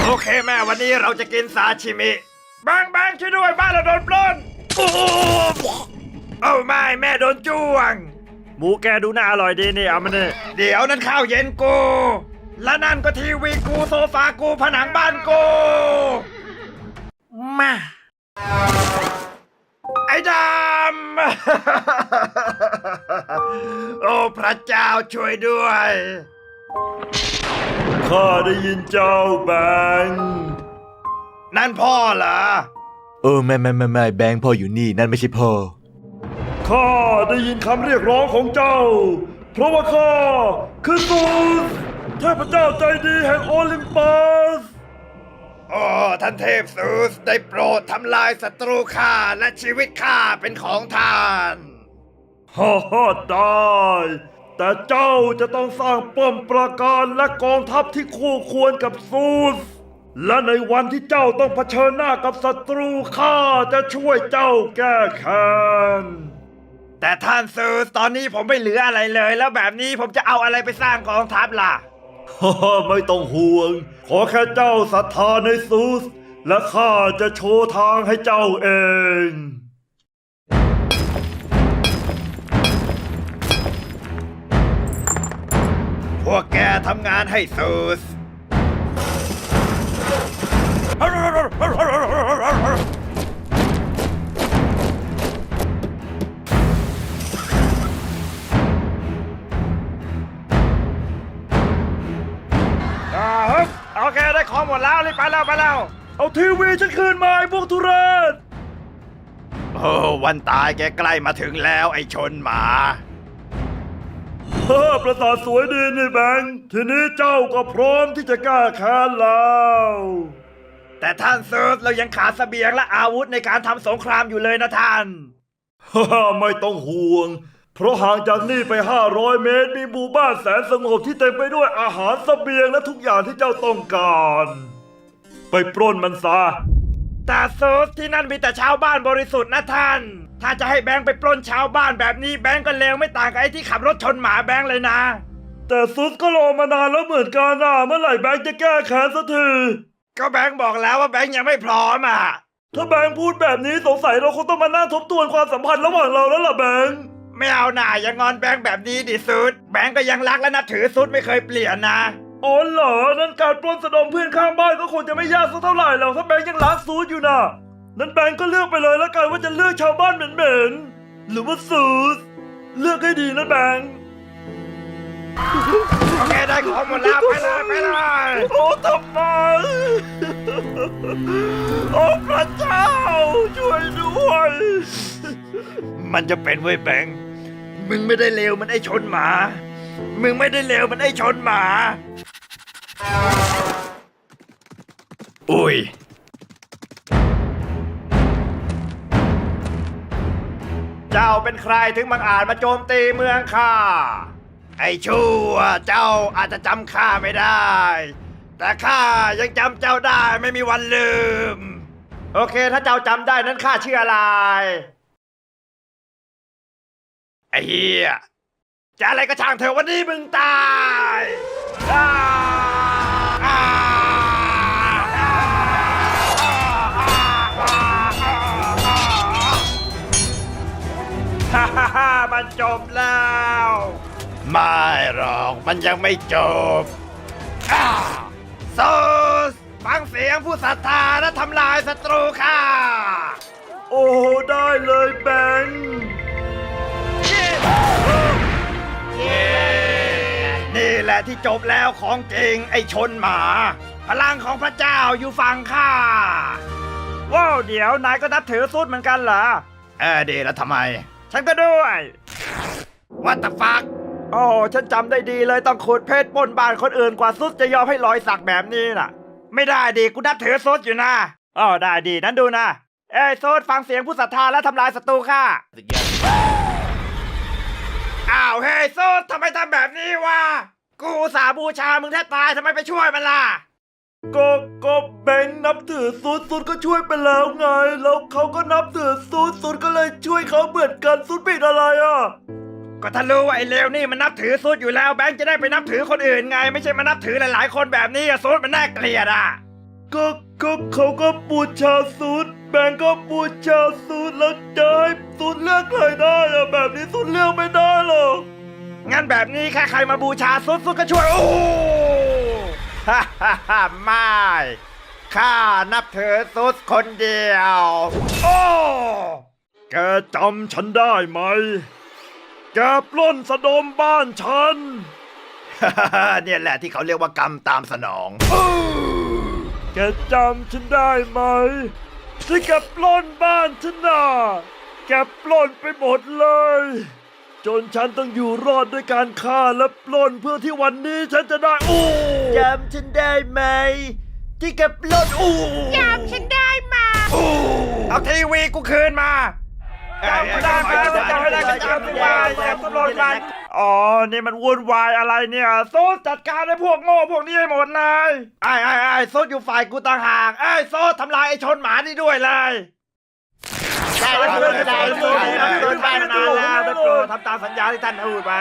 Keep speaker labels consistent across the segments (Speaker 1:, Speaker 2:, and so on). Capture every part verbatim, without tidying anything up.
Speaker 1: โอเคแม่วันนี้เราจะกินซาชิมิแบงแบงช่วยด้วยบ้านเราโดนปล้นโอ้โอ้ไม่แม่โดนจ้วงหมูแกดูน่าอร่อยดีนี่เอามาเนี่ยเดี๋ยวนั้นข้าวเย็นกูและนั่นก็ทีวีกูโซฟากูผนังบ้านกูมาไอ้ดำ โอ้พระเจ้าช่วยด้วยข้าได้ยินเจ้าแบงนั่นพ่อเหรอ
Speaker 2: เออไม่ไม่ไม่ไม่แบงค์พ่ออยู่นี่นั่นไม่ใช่พ่อ
Speaker 1: ข้าได้ยินคำเรียกร้องของเจ้าเพราะว่าข้าคือซูสเทพเจ้าใจดีแห่งโอลิมปัสโอ้ท่านเทพซูสได้โปรดทำลายศัตรูข้าและชีวิตข้าเป็นของท่านฮ่าฮ่าได้แต่เจ้าจะต้องสร้างป้อมปราการและกองทัพที่คู่ควรกับซูสและในวันที่เจ้าต้องเผชิญหน้ากับศัตรูข้าจะช่วยเจ้าแก้แค้นแต่ท่านซูสตอนนี้ผมไม่เหลืออะไรเลยแล้วแบบนี้ผมจะเอาอะไรไปสร้างกองทัพล่ะฮ่าไม่ต้องห่วงขอแค่เจ้าศรัทธาในซูสและข้าจะโชว์ทางให้เจ้าเองพวกแกทำงานให้ซูสโอเคได้ของหมดแล้วรีบไปแล้วไปแล้วเอาทีวีฉันคืนมาไอ้พวกทุเรศโอ้วันตายแกใกล้มาถึงแล้วไอ้ชนหมาเฮ้อประสาทสวยดีนี่แบงค์ทีนี้เจ้าก็พร้อมที่จะกล้าแค้นแล้วแต่ท่านเซิร์ฟเรายังขาดเสบียงและอาวุธในการทำสงครามอยู่เลยนะท่านฮ่าไม่ต้องห่วงเพราะห่างจากนี่ไปห้าร้อยเมตรมีหมู่บ้านแสนสงบที่เต็มไปด้วยอาหารเสบียงและทุกอย่างที่เจ้าต้องการไปปล้นมันซะแต่เซิร์ฟที่นั่นมีแต่ชาวบ้านบริสุทธิ์นะท่านถ้าจะให้แบงค์ไปปล้นชาวบ้านแบบนี้แบงค์ก็เลวไม่ต่างกับไอ้ที่ขับรถชนหมาแบงค์เลยนะแต่ซุสก็รอมานานแล้วเหมือนกันนะเมื่อไหร่แบงค์จะแก้แค้นสักทีก็แบงค์บอกแล้วว่าแบงค์ยังไม่พร้อมอ่ะถ้าแบงค์พูดแบบนี้สงสัยเราคงต้องมานั่งทบทวนความสัมพันธ์ระหว่างเราแล้วล่ะแบงค์ไม่เอาหน่าอย่างงอนแบงค์แบบนี้ดิซุสแบงค์ก็ยังรักและนับถือซุสไม่เคยเปลี่ยนนะอ๋อเหรอนั่นการปล้นสะดมเพื่อนข้างบ้านก็คงจะไม่ยากสักเท่าไหร่หรอกถ้าแบงค์ยังรักซุสอยู่นะนั้นแบงค์ก็เลือกไปเลยแล้วกันว่าจะเลือกชาวบ้านเหม็นๆหรือว่าซูสเลือกให้ดีนะแบงค์โอเคได้ของหมดแล้วไปเลยไปเลยโอ้ทำไมโอ้พระเจ้าช่วยด้วยมันจะเป็นเว้ยแบงค์มึงไม่ได้เลวมันไอ้ชนหมามึงไม่ได้เลวมันไอ้ชนหมาอุ้ยเจ้าเป็นใครถึงบังอาจมาโจมตีเมืองข้าไอ้ชั่วเจ้าอาจจะจำข้าไม่ได้แต่ข้ายังจำเจ้าได้ไม่มีวันลืมโอเคถ้าเจ้าจำได้นั้นข้าชื่ออะไรไอ้เหี้ยจะอะไรก็ช่างเถอะวันนี้มึงตายฮ่าฮ่าฮ่ามันจบแล้วไม่หรอกมันยังไม่จบโซสฟังเสียงผู้ศรัทธาและทำลายศัตรูข้าโอ้ได้เลยแบงค์นี่แหละที่จบแล้วของจริงไอ้ชนหมาพลังของพระเจ้าอยู่ฝั่งข้าว้าวเดี๋ยวนายก็นับถือซุดเหมือนกันเหรอเออดีแล้วทำไมฉันก็ด้วยวัตฟักโอ้ฉันจำได้ดีเลยต้องขุดเพชรปล้นบ้านคนอื่นกว่าซุดจะยอมให้รอยสักแบบนี้น่ะไม่ได้ดีกูนับถือซุดอยู่นะอ๋อได้ดีนั้นดูนะเอ้ยซุดฟังเสียงผู้ศรัทธาและทำลายศัตรูข้าอ้าวเฮ้ยซุดทำไมทำแบบนี้วะกูอุตส่าห์บูชามึงแทบตายทำไมไปช่วยมันล่ะก็ก็แบงค์นับถือซุดซุดก็ช่วยไปแล้วไงแล้วเขาก็นับถือซุดซุดก็เลยช่วยเขาเหมือนกันซุดผิดอะไรอ่ะก็ถ้ารู้ว่าไอ้เลวนี่มันนับถือซุดอยู่แล้วแบงค์จะได้ไปนับถือคนอื่นไงไม่ใช่มานับถือหลายๆคนแบบนี้อะซุดมันน่าเกลียดอ่ะก็ก็เขาก็บูชาซูดแบงก์ก็บูชาซูดแล้วจะให้ซูดเลือกใครได้อะแบบนี้ซูดเลือกไม่ได้หรอกงั้นแบบนี้แค่ใครมาบูชาซูดซูดก็ช่วยโอ้ฮ่าฮ่าฮ่าไม่ข้านับถือซูดคนเดียวโอ้แกจำฉันได้ไหมแกปล้นสะดมบ้านฉัน เนี่ยแหละที่เขาเรียกว่ากรรมตามสนองแกจำฉันได้ไหมที่แกปล้นบ้านฉันน่ะแกปล้นไปหมดเลย จนฉันต้องอยู่รอดด้วยการฆ่าและปล้นเพื่อที่วันนี้ฉันจะได้โอ้จำฉันได้ไหมที่แกปล้นโอ้จำฉันได้มาโอ้เอาทีวีกูคืนมาจำไม่ได้ไหมจำไม่ได้ก็จำไม่ได้แต่ตำรวจมันอ๋อ นี่มันวุ่นวายอะไรเนี่ยโซดจัดการให้พวกโง่พวกนี้ให้หมดเลยไอ้ไอ้ไอ้โซดอยู่ฝ่ายกูต่างหากไอ้โซดทำลายไอ้ชนหมานี่ด้วยเลยได้แล้วได้แล้วได้แล้วได้แล้วได้มานานแล้วได้โปรดทำตามสัญญาที่ท่านพูดไป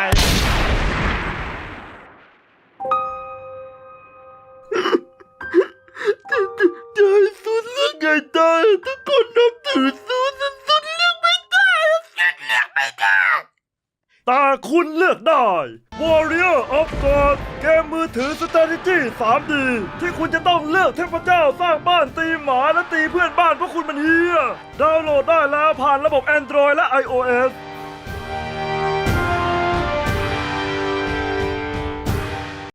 Speaker 1: ได้สุดเรื่องไงได้ทุกคนนับถือสุดสุดเรื่องไม่ได้สุดเลือกไม่ได้แต่คุณเลือกได้ Warrior of God เกมมือถือ Strategy ทรีดี ที่คุณจะต้องเลือกเทพเจ้าสร้างบ้านตีหมาและตีเพื่อนบ้านเพราะคุณมันเฮียดาวน์โหลดได้แล้วผ่านระบบ Android และ iOS